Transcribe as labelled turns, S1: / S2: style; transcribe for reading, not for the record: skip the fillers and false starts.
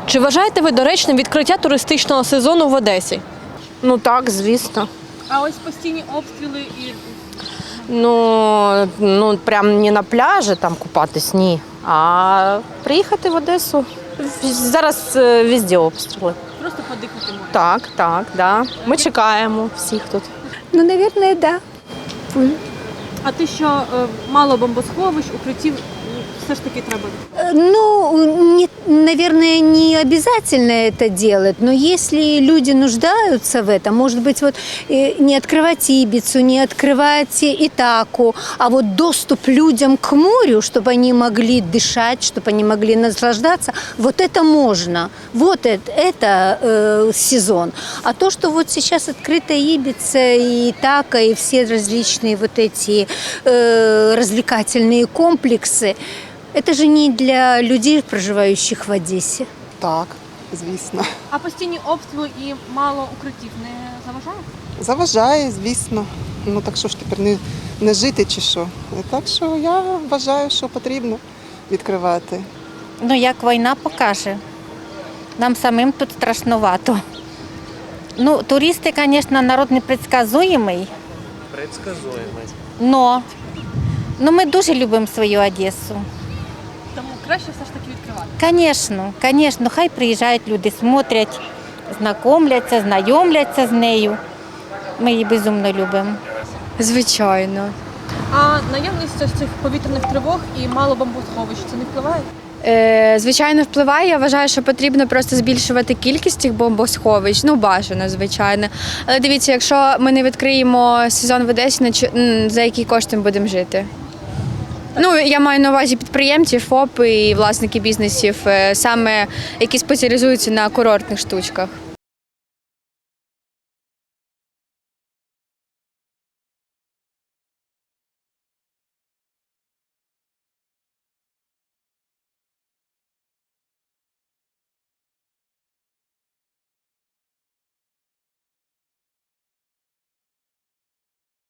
S1: Чи вважаєте ви доречним відкриття туристичного сезону в Одесі?
S2: Ну так, звісно.
S1: А ось постійні обстріли і
S2: Ну прям не на пляжі там купатись, ні. А приїхати в Одесу. Зараз везде обстріли.
S1: просто подихати можна.
S2: Так, да. Ми чекаємо всіх тут.
S3: Ну, наверное, да.
S1: А те, що мало бомбосховищ, укриттів все ж таки треба.
S3: Ну, наверное, не обязательно это делать, но если люди нуждаются в этом, может быть, вот не открывать Ибицу, не открывать Итаку, а вот доступ людям к морю, чтобы они могли дышать, чтобы они могли наслаждаться, вот это можно. Вот это сезон. А то, что вот сейчас открыта Ибица и Итака, и все различные вот эти развлекательные комплексы, это же не для людей, проживающих в Одессе.
S4: Так, звісно.
S1: А постійні обстріли і мало укриттів не заважає?
S4: Заважає, звісно. Ну так що ж тепер не жити чи що. Так що я вважаю, що потрібно відкривати.
S5: Ну, як війна покаже. Нам самим тут страшновато. Ну, туристи, звісно, народ непредсказуємий. Но ми дуже любимо свою Одесу.
S1: Тому краще все ж таки відкривати.
S5: Звісно, хай приїжджають люди, смотрять, знайомляться з нею. Ми її безумно любимо.
S6: Звичайно.
S1: А наявність ось цих повітряних тривог і мало бомбосховищ це не впливає?
S6: Звичайно, впливає. Я вважаю, що потрібно просто збільшувати кількість цих бомбосховищ. Ну, бажано, звичайно. Але дивіться, якщо ми не відкриємо сезон в Одесі, за які кошти ми будемо жити? Ну, я маю на увазі підприємців, ФОП і власники бізнесів, саме які спеціалізуються на курортних штучках.